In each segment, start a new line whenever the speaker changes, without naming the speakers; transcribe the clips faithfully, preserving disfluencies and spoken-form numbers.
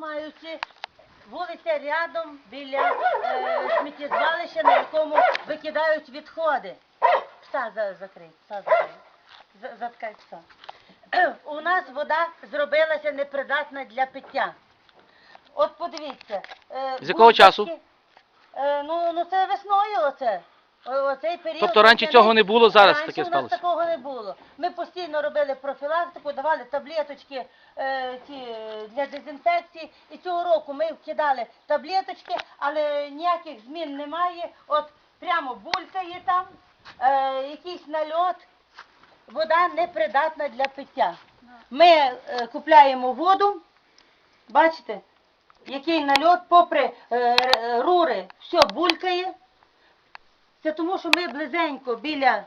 маючи вулиця рядом біля е, сміттєзвалища, на якому викидають відходи. Пса за- закрий, пса закрий. За- Заткай пса. У нас вода зробилася непридатна для пиття. От подивіться. е,
З якого часу?
бульбашки, е, ну, ну це весною оце. О- Оцей період.
Тобто раніше
весняний.
цього не було, зараз
Раніше
таке
у нас
сталося?
такого не було. Ми постійно робили профілактику, давали таблеточки е, ці, е, для дезінфекції. І цього року ми вкидали таблеточки, але ніяких змін немає. От прямо булькає там, е, якийсь нальот. Вода непридатна для пиття. Ми е, купляємо воду, бачите, який нальот, попри е, рури, все булькає. Це тому, що ми близенько біля,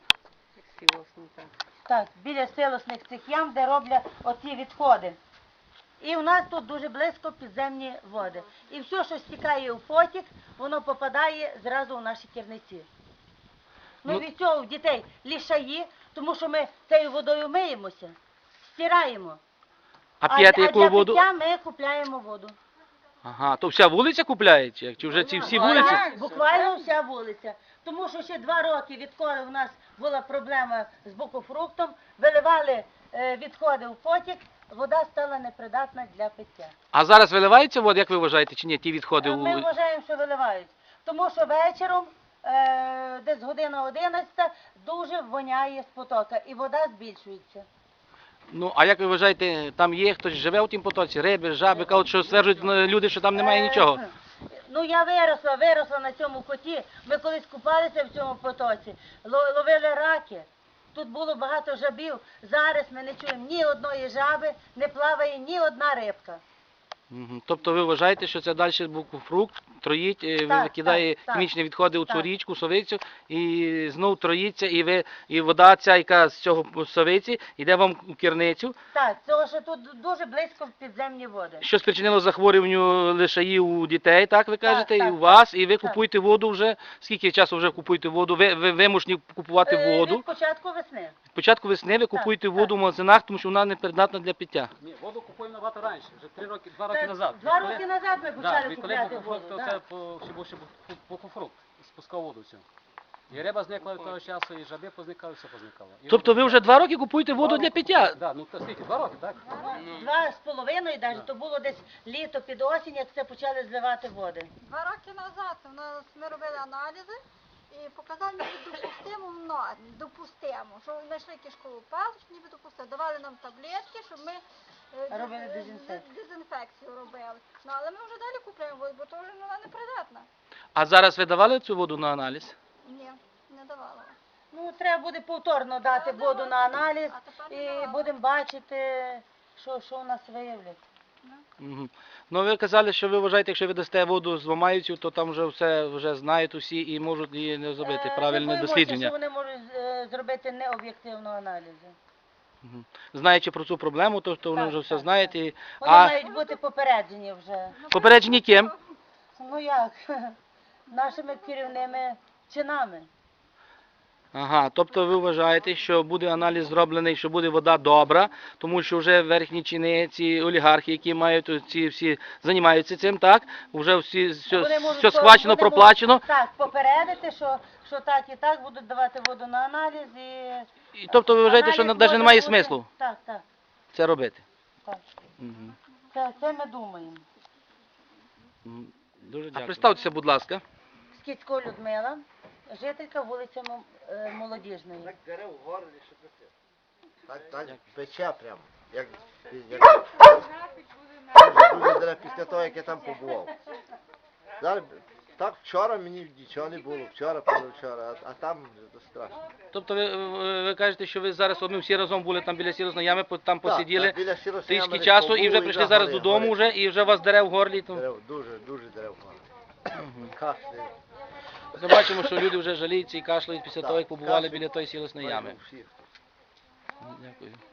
так, біля силосних цих ям, де роблять оці відходи. І у нас тут дуже близько підземні води. І все, що стікає у потік, воно попадає зразу у наші керниці. Ну,
Ну-
від цього в дітей лішаї, тому що ми цією водою миємося, стираємо.
А п'яти
а
яку
для
воду?
пиття ми купляємо воду.
Ага, то вся вулиця купляє? Чи як? Чи вже ці всі вулиці?
Так, буквально вся вулиця. Тому що ще два роки, відколи у нас була проблема з букофруктом, виливали е, відходи в потік, вода стала непридатна для пиття.
А зараз виливається вода, як ви вважаєте, чи ні, ті відходи?
Е, Ми
у-
вважаємо, що виливають. Тому що вечором, е, десь година одинадцята, дуже воняє з потока і вода збільшується.
Ну, а як ви вважаєте, там є хтось живе у тім потоці, риби, жаби, кажуть, що стверджують ну, люди, що там немає
Е,
нічого.
Ну я виросла, виросла на цьому коті. Ми колись купалися в цьому потоці, ло- ловили раки. Тут було багато жабів. Зараз ми не чуємо ні одної жаби, не плаває ні одна рибка.
Мгм. Тобто ви вважаєте, що це далі буквофрукт троїть, е,
Так,
викидає
так, так.
хімічні відходи у цю
Так.
річку, совицю, і знов троїться, і ви і вода ця, яка з цього совиці, йде вам у керницю,
Так, тому що тут дуже близько в підземні води.
що спричинило захворюванню лишаїв у дітей, так ви кажете, і
так,
у вас, і ви
так.
купуєте воду вже. Скільки часу вже купуєте воду? Ви, ви вимушені купувати
Е,
воду.
Від початку весни.
З початку весни ви купуєте
так.
воду в магазинах, тому що вона не придатна для пиття.
Ні, воду купуємо набагато раніше, вже три роки, два роки
Так,
назад.
Два
Відколи-
роки назад ми
Да,
почали
відколи
купляти
букофрукт,
воду.
то це
да.
по- ще був ще бу- букофрукт, спускав воду всю. І риба зникла від того часу, і жаби позникали, все позникало. І
Тобто
воду-
ви вже два роки купуєте
Два
воду
роки
для пиття?
купуємо. Да, ну то скільки, два роки, так?
Два з половиною, навіть, то було десь літо під осінь, як це почали зливати води.
Два роки назад у нас ми робили аналізи і показали ніби допустимо нормі, допустимо, що знайшли кишкову паличку, ніби допустимо. Давали нам таблетки, щоб ми е,
Робили
дез-
дезінфекцію.
дезінфекцію робили. Ну але ми вже далі купуємо воду, бо то вже вона непридатна.
А зараз ви давали цю воду на аналіз?
Ні, не давала.
Ну, треба буде повторно дати воду на аналіз
А тепер не
і
давала.
будемо бачити, що, що у нас виявлять.
Угу. Ну ви казали, що ви вважаєте, якщо ви дасте воду з Мамаївців, то там вже все вже знають усі і можуть її не зробити
Е,
правильне
ми боїмося,
дослідження.
що вони можуть е, зробити необ'єктивного аналізу.
Мгм. Знаючи про цю проблему, то, то вони
Так,
вже все
так,
знають.
так.
І...
Вони
А
мають бути попереджені вже.
попереджені ким?
Ну як? Нашими керівними чинами.
Ага, тобто ви вважаєте, що буде аналіз зроблений, що буде вода добра, тому що вже верхні чини, ці олігархи, які мають ці всі займаються цим, так? Вже всі все,
Вони можуть
все
по-
схвачено,
вони можуть,
проплачено.
Так, попередити, що, що так і так будуть давати воду на аналіз і...
І, тобто ви вважаєте, що
аналіз
навіть
може
немає
бути-
смислу
Так, так,
це робити?
так.
Мгм.
Це, це ми думаємо.
Мгм. Дуже дякую. А представтеся, будь ласка.
Скіцько Людмила, жителька вулиці Мо- е, Молодіжної.
Так дере в горлі, що пече. Так, так пече прямо. Як, як... Дуже, дуже дере після того, як я там побував. Зараз, так вчора мені нічого не було, вчора, позавчора, а, а там вже страшно.
Тобто ви, ви, ви кажете, що ви зараз от ми всі разом були там біля сірозної ями, по- там
Так,
посиділи
так, біля Сіросинями
трішки
десь
часу і
побули,
вже прийшли
да,
зараз
гори,
додому
гори.
вже і вже вас дере в горлі. То...
Дерев, дуже, дуже дере в горлі. Кашляє.
Ми бачимо, що люди вже жаліються і кашляють після
Так,
того, як побували
кашель.
біля тої сілосної ями.
Всіх.
Дякую.